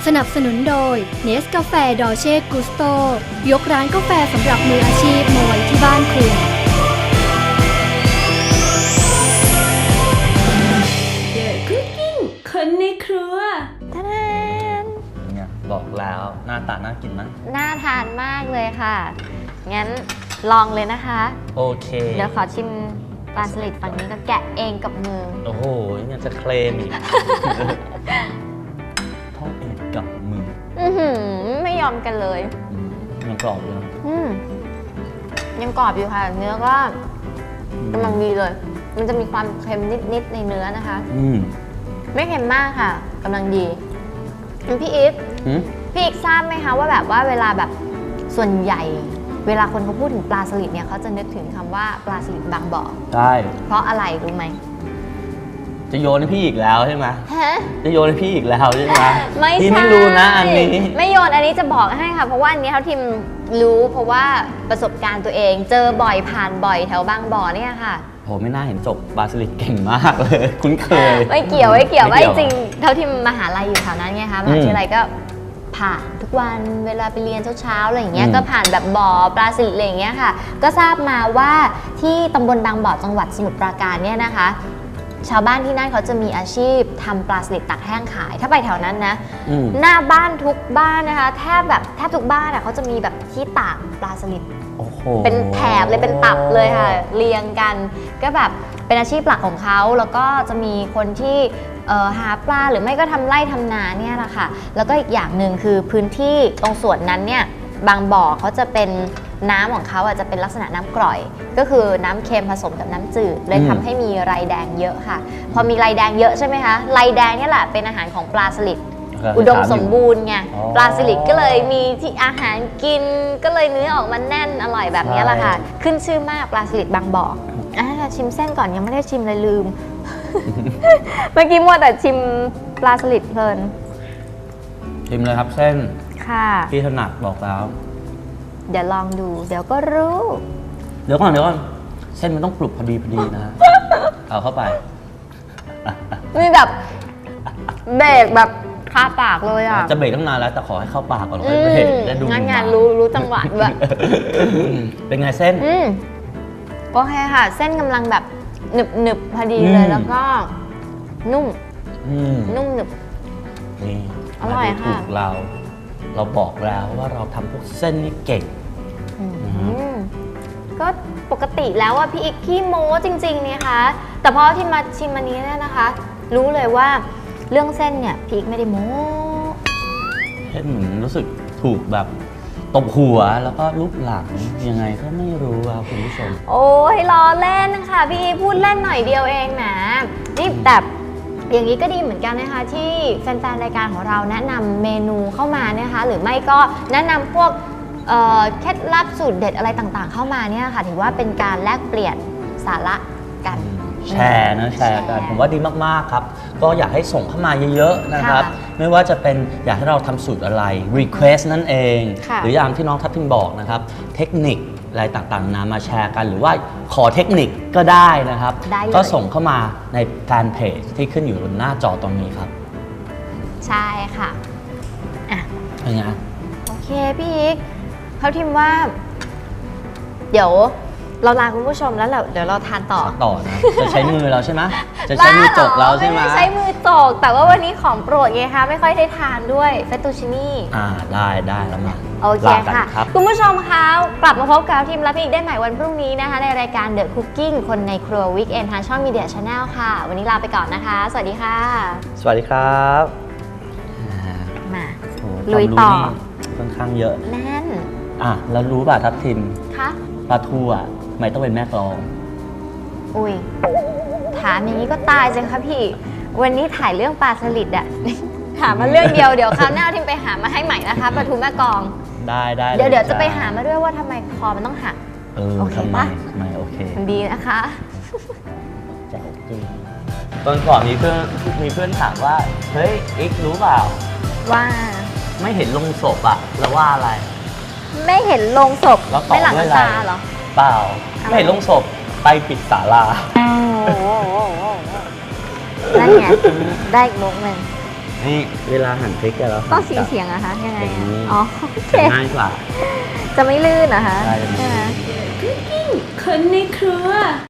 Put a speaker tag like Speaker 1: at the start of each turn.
Speaker 1: สนับสนุนโดยเนสกาแฟดอเช่กุสโตยกร้านกาแฟสำหรับมืออาชีพมาไว้ที่บ้านคุณ
Speaker 2: เดอะคุกกิ้งคนในครัว
Speaker 3: ท่าน
Speaker 4: เนี่ยบอกแล้วหน้าตาน่ากินมั้ย
Speaker 3: น่าทานมากเลยค่ะงั้นลองเลยนะคะ
Speaker 4: โอเค
Speaker 3: เดี๋ยวขอชิมปลาสลิดฝั่งนี้ก็แกะเองกับมือ
Speaker 4: โอ้โหยังจะเคลมอีกทอดเองกับมือ
Speaker 3: ไม่ยอมกันเลย
Speaker 4: ยังกรอบอยู่
Speaker 3: ยังกรอบอยู่ค่ะเนื้อก็กำลังดีเลยมันจะมีความเค็มนิดๆในเนื้อนะคะไม่เค็มมากค่ะกำลังดีพี่อีกทราบไหมคะว่าแบบว่าเวลาแบบส่วนใหญ่เวลาคนเขาพูดถึงปลาสลิดเนี่ยเขาจะนึกถึงคำว่าปลาสลิดบางบ่อ
Speaker 4: ใช่
Speaker 3: เพราะอะไรรู้ไหม
Speaker 4: จะโยนให้พี่อีกแล้วใช่ไหมจะโยนให้พี่อีกแล้วใช่ไหม
Speaker 3: ไม่ใช่
Speaker 4: พี่ไม่รู้นะอันนี้
Speaker 3: ไม่โยนอันนี้จะบอกให้ค่ะเพราะว่าอันนี้เขาทีมรู้เพราะว่าประสบการณ์ตัวเองเจอบ่อยผ่านบ่อยแถวบางบ่อเนี่ยค่ะ
Speaker 4: โหไม่น่าเห็นจบปลาสลิดเก่งมากเลยคุ้นเคย
Speaker 3: ไม่เกี่ยวว่าจริงเท่าที่มหาลัยอยู่แถวนั้นไงคะมหาวิทยาลัยก็ผ่านทุกวันเวลาไปเรียนเช้าๆอะไรอย่างเงี้ยก็ผ่านแบบบ่อปลาสลิดอะไรอย่างเงี้ยค่ะก็ทราบมาว่าที่ตำบลบางบ่อจังหวัดสมุทรปราการเนี่ยนะคะชาวบ้านที่นั่นเขาจะมีอาชีพทำปลาสลิดตากแห้งขายถ้าไปแถวนั้นนะหน้าบ้านทุกบ้านนะคะแทบทุกบ้านเขาจะมีแบบที่ตากปลาสลิดเป็นแถบเลยเป็นตับเลยค่ะเรียงกันก็แบบเป็นอาชีพหลักของเขาแล้วก็จะมีคนที่หาปลาหรือไม่ก็ทำไร่ทำนาเนี่ยแหละค่ะแล้วก็อีกอย่างหนึ่งคือพื้นที่ตรงส่วนนั้นเนี่ยบางบ่อเขาจะเป็นน้ำของเขาจะเป็นลักษณะน้ำกร่อยก็คือน้ำเค็มผสมกับน้ำจืดเลยทำให้มีไรแดงเยอะค่ะพอมีไรแดงเยอะใช่ไหมคะไรแดงนี่แหละเป็นอาหารของปลาสลิดอุดมสมบูรณ์ไงปลาสลิดก็เลยมีที่อาหารกินก็เลยเนื้อออกมาแน่นอร่อยแบบนี้แหละค่ะขึ้นชื่อมากปลาสลิดบางบ่อชิมเส้นก่อนยังไม่ได้ชิมเลยลืม เมื่อกี้มัวแต่ชิมปลาสลิดเพลิน
Speaker 4: ชิมเลยครับเส้น
Speaker 3: ค่ะ
Speaker 4: พี่ถนัดบอกแล้ว
Speaker 3: เดี๋ยวลองดูเดี๋ยวก็รู้
Speaker 4: เดี๋ยวก่อนเส้นมันต้องกรุบพอดีนะ เอาเข้าไป
Speaker 3: มีแบบเบรกแบบคาปากเลยอ่ะ
Speaker 4: จะเบรกตั้งนานแล้วแต่ขอให้เข้าปากก่อนค่อยเบรกได้ดู
Speaker 3: งานรู้จังหวะด้วย
Speaker 4: เป็นไงเส้น
Speaker 3: โอเคค่ะเส้นกำลังแบบหนึบพอดีเลยแล้วก็นุ่มหนึบ
Speaker 4: นี่
Speaker 3: อร่อยค่ะ
Speaker 4: เราบอกแล้วว่าเราทำพวกเส้นนี่เก่ง
Speaker 3: ก็ปกติแล้วว่าพี่อีกขี้โม้จริงๆเนี่ยค่ะแต่พอที่มาชิมอันนี้เนี่ยนะคะรู้เลยว่าเรื่องเส้นเนี่ยพี่อีกไม่ได้โม้
Speaker 4: เส้นเหมือนรู้สึกถูกแบบตบหัวแล้วก็รูปหลังยังไงก็ไม่รู้ครับคุณผู้ชม
Speaker 3: โอ้ยล้อเล่นนะคะพี่พูดเล่นหน่อยเดียวเองนะนี่แต่อย่างนี้ก็ดีเหมือนกันนะคะที่แฟนๆรายการของเราแนะนำเมนูเข้ามานะคะหรือไม่ก็แนะนำพวกเคล็ดลับสูตรเด็ดอะไรต่างๆเข้ามาเนี่ยค่ะถือว่าเป็นการแลกเปลี่ยนสาระกัน
Speaker 4: แชร์กันผมว่าดีมากๆครับก็อยากให้ส่งเข้ามาเยอะๆนะครับไม่ว่าจะเป็นอยากให้เราทำสูตรอะไร request นั่นเองหรืออย่างที่น้องทัพทิมบอกนะครับเทคนิคอะไรต่างๆนะมาแชร์กันหรือว่าขอเทคนิคก็ได้นะครับก็ส่งเข้ามาในแฟนเพจที่ขึ้นอยู่บนหน้าจอตรงนี้ครับ
Speaker 3: ใช่ค่ะ
Speaker 4: เป็นไง
Speaker 3: โอเคพี่อีกเขาทิมว่าเดี๋ยวเราลาคุณผู้ชมแล้วเดี๋ยวเราทานต่อ
Speaker 4: นะจะใช้มือเราใช่ไหมจะใช้มือจกเราใช่ไหม
Speaker 3: ไม่ใช้มือจกแต่ว่าวันนี้ของโปรดไงคะไม่ค่อยได้ทานด้วยเฟตตูชินี่
Speaker 4: ได้แล้วมา
Speaker 3: โอเคค่ะคุณผู้ชมคะกลับมาพบกับทีมและพี่อีกได้ใหม่วันพรุ่งนี้นะคะในรายการ The Cooking คนในครัว Weekend ทางช่อง Media Channel ค่ะวันนี้ลาไปก่อนนะคะสวัสดีค่ะ
Speaker 4: สวัสดีครับ
Speaker 3: มาลุยต่อ
Speaker 4: ค่อนข้างเยอะ
Speaker 3: แน่น
Speaker 4: แล้วรู้ป่ะทัพทิม
Speaker 3: คะ
Speaker 4: ปลาทูไม่ต้องเป็นแม่กลอง
Speaker 3: อุ้ยถามอย่างนี้ก็ตายจังคะพี่วันนี้ถ่ายเรื่องปลาสลิดอะหามาเรื่องเดียวเดี๋ยวคราวหน้าทิมไปหามาให้ใหม่นะคะปลาทูแม่กลอง
Speaker 4: ได้
Speaker 3: เดี๋ยวจะไปหามาด้วยว่าทำไมคอมันต้องหักโอเคปะ
Speaker 4: ไม่โอเค
Speaker 3: มันดีนะคะ
Speaker 4: แจ๋วจริงตอนก่อนมีเพื่อนถามว่าเฮ้ยอีกรู้เปล่า
Speaker 3: ว่า
Speaker 4: ไม่เห็นลงศพแล้วว่าอะไร
Speaker 3: ไม่เห็นลงศพไม่หลังตาเหรอ
Speaker 4: เปล่าไม่เห็นลงศพไปปิดศาลา
Speaker 3: นั่นไงได้อีกมุกหนึ่ง
Speaker 4: นนี่เวลาหั่นพริกอะเรา
Speaker 3: ต้อง
Speaker 4: หั่น
Speaker 3: เสียงอะคะยังไง
Speaker 4: อย่างนี้
Speaker 3: อ๋อโอเค
Speaker 4: จะง่ายกว่า
Speaker 3: จะไม่ลื่นนะคะ
Speaker 4: ใช่
Speaker 3: ใช่ไหม
Speaker 2: คนในครัว